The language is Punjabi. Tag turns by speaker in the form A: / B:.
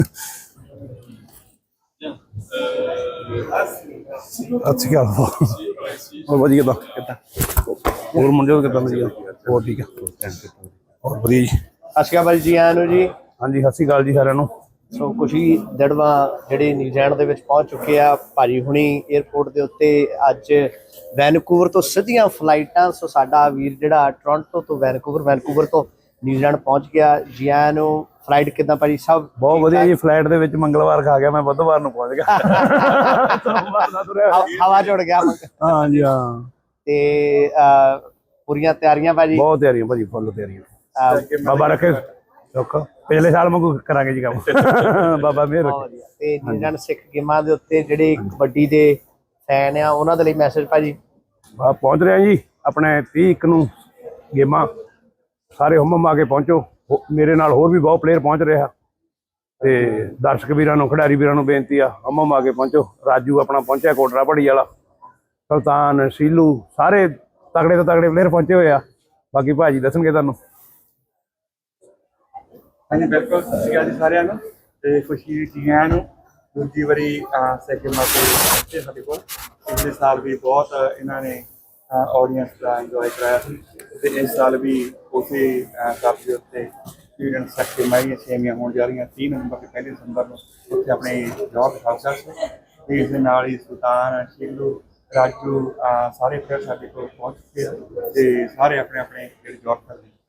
A: ਅੱਛੀ ਗੱਲ ਹੋਰ ਵਧੀਆ ਕਿੱਦਾਂ ਹੋਰ ਮੁੰਡੇ ਕਿੱਦਾਂ ਵਧੀਆ ਹੋਰ ਠੀਕ ਆ ਹੋਰ ਵਧੀਆ ਜੀ।
B: ਸਤਿ ਸ਼੍ਰੀ ਅਕਾਲ ਜੀ ਆਇਆਂ ਨੂੰ ਜੀ।
A: ਹਾਂਜੀ ਸਤਿ ਸ਼੍ਰੀ ਅਕਾਲ ਜੀ ਸਾਰਿਆਂ ਨੂੰ।
B: ਸੋ ਖੁਸ਼ੀ ਦੜਵਾ ਜਿਹੜੇ ਨਿਊਜ਼ੀਲੈਂਡ ਦੇ ਵਿੱਚ ਪਹੁੰਚ ਚੁੱਕੇ ਆ ਭਾਜੀ ਹੁਣੀ 에ਅਰਪੋਰਟ ਦੇ ਉੱਤੇ। ਅੱਜ ਵੈਨਕੂਵਰ ਤੋਂ ਸਿੱਧੀਆਂ ਫਲਾਈਟਾਂ। ਸੋ ਸਾਡਾ ਵੀਰ ਜਿਹੜਾ ਟੋਰਾਂਟੋ ਤੋਂ ਵੈਨਕੂਵਰ ਤੋਂ ਨਿਊਜ਼ੀਲੈਂਡ ਪਹੁੰਚ ਗਿਆ। ਜੀ ਆਇਆਂ ਨੂੰ। ਫਲਾਈਟ ਕਿੱਦਾਂ ਭਾਜੀ? ਸਭ
A: ਬਹੁਤ ਵਧੀਆ ਜੀ। ਫਲਾਈਟ ਦੇ ਵਿੱਚ ਮੰਗਲਵਾਰ ਖਾ ਗਿਆ, ਮੈਂ ਬੁੱਧਵਾਰ ਨੂੰ ਪਹੁੰਚ ਗਿਆ।
B: ਹਵਾ ਚੁੜ ਗਿਆ।
A: ਹਾਂਜੀ ਹਾਂ।
B: ਤੇ ਪੂਰੀਆਂ ਤਿਆਰੀਆਂ ਭਾਜੀ?
A: ਬਹੁਤ ਤਿਆਰੀਆਂ ਭਾਜੀ, ਫੁੱਲ ਤਿਆਰੀਆਂ। ਬਾਬਾ ਰੱਖੇ ਸੁੱਖ। ਪਿਛਲੇ ਸਾਲ ਵਾਂਗੂ ਕਰਾਂਗੇ ਜੀ ਕੰਮ। ਬਾਬਾ ਮਿਹਰ ਰੱਖੇ।
B: ਤੇ ਨਿਊਜ਼ੀਲੈਂਡ ਸਿੱਖ ਗੇਮਾਂ ਦੇ ਉੱਤੇ ਜਿਹੜੇ ਕਬੱਡੀ ਦੇ ਫੈਨ ਆ ਉਹਨਾਂ ਦੇ ਲਈ ਮੈਸੇਜ ਭਾਜੀ?
A: ਪਹੁੰਚ ਰਿਹਾ ਜੀ ਆਪਣੇ 30 ਨੂੰ ਗੇਮਾਂ। ਸਾਰੇ ਹੁਮ ਆ ਕੇ ਪਹੁੰਚੋ। ਮੇਰੇ ਨਾਲ ਹੋਰ ਵੀ ਬਹੁਤ ਪਲੇਅਰ ਪਹੁੰਚ ਰਿਹਾ ਤੇ ਦਰਸ਼ਕ ਵੀਰਾਂ ਨੂੰ, ਖਿਡਾਰੀ ਵੀਰਾਂ ਨੂੰ ਬੇਨਤੀ ਆ ਹੁਮ ਆ ਕੇ ਪਹੁੰਚੋ। ਰਾਜੂ ਆਪਣਾ ਪਹੁੰਚਿਆ, ਕੋਟਰਾ ਪੜੀ ਵਾਲਾ, ਸੁਲਤਾਨ, ਸੀਲੂ, ਸਾਰੇ ਤਗੜੇ ਤੋਂ ਤਗੜੇ ਪਲੇਅਰ ਪਹੁੰਚੇ ਹੋਏ ਆ। ਬਾਕੀ ਭਾਜੀ ਦੱਸਣਗੇ ਤੁਹਾਨੂੰ।
C: ਹਾਂਜੀ ਬਿਲਕੁਲ। ਸਤਿ ਸ਼੍ਰੀ ਅਕਾਲ ਜੀ ਸਾਰਿਆਂ ਨੂੰ। ਤੇ ਖੁਸ਼ੀ ਜੀ ਆਇਆਂ ਨੂੰ। ਦੂਜੀ ਵਾਰੀ ਸਿੱਖ ਗੇਮਾਂ ਤੇ ਪਹੁੰਚੇ ਸਾਡੇ ਕੋਲ। ਪਿਛਲੇ ਸਾਲ ਵੀ ਬਹੁਤ ਇਹਨਾਂ ਨੇ ਆਡੀਅੰਸ ਦਾ ਇੰਜੋਏ ਕਰਾਇਆ ਸੀ ਤੇ ਇਸ ਸਾਲ ਵੀ ਉਸੇ ਕੱਪ ਦੇ ਉੱਤੇ ਨਿਊਜ਼ੀਲੈਂਡ ਸਿੱਖ ਗੇਮਾਂ ਛੇਵੀਆਂ ਹੋਣ ਜਾ ਰਹੀਆਂ 30 ਨਵੰਬਰ ਤੇ 1 ਦਸੰਬਰ ਨੂੰ ਉੱਥੇ ਆਪਣੇ ਜੌਹਰ ਦਿਖਾ ਸਕਦੇ। ਤੇ ਇਸ ਦੇ ਨਾਲ ਹੀ ਸੁਲਤਾਨ, ਸ਼ੀਲੂ, ਰਾਜੂ ਸਾਰੇ ਪਲੇਅਰ ਸਾਡੇ ਕੋਲ ਪਹੁੰਚ ਚੁੱਕੇ ਆ ਤੇ ਸਾਰੇ ਆਪਣੇ ਆਪਣੇ ਜਿਹੜੇ ਜੌਹਰ ਕਰਦੇ